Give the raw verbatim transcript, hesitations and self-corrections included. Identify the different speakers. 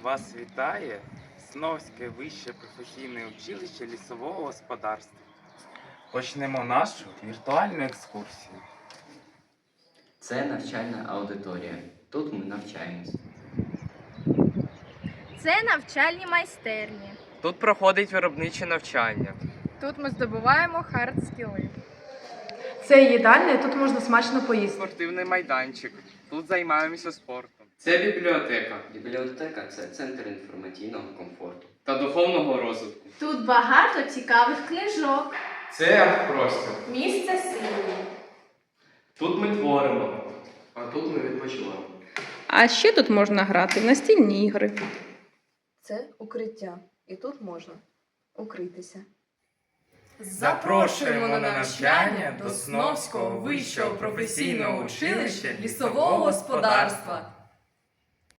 Speaker 1: Вас вітає Сновське вище професійне училище лісового господарства. Почнемо нашу віртуальну екскурсію.
Speaker 2: Це навчальна аудиторія. Тут ми навчаємось.
Speaker 3: Це навчальні майстерні.
Speaker 4: Тут проходить виробниче навчання.
Speaker 3: Тут ми здобуваємо хард-скіли.
Speaker 5: Це їдальня, тут можна смачно поїсти.
Speaker 4: Спортивний майданчик. Тут займаємося спортом.
Speaker 1: Це бібліотека
Speaker 2: Бібліотека це центр інформаційного комфорту.
Speaker 4: Та духовного розвитку.
Speaker 6: Тут багато цікавих книжок.
Speaker 1: це арт-простір.
Speaker 6: Місце сили.
Speaker 4: Тут ми творимо.
Speaker 2: А тут ми відпочиваємо.
Speaker 5: А ще тут можна грати в настільні ігри.
Speaker 7: Це укриття, і тут можна укритися.
Speaker 1: Запрошуємо на навчання до Сновського вищого професійного училища лісового господарства.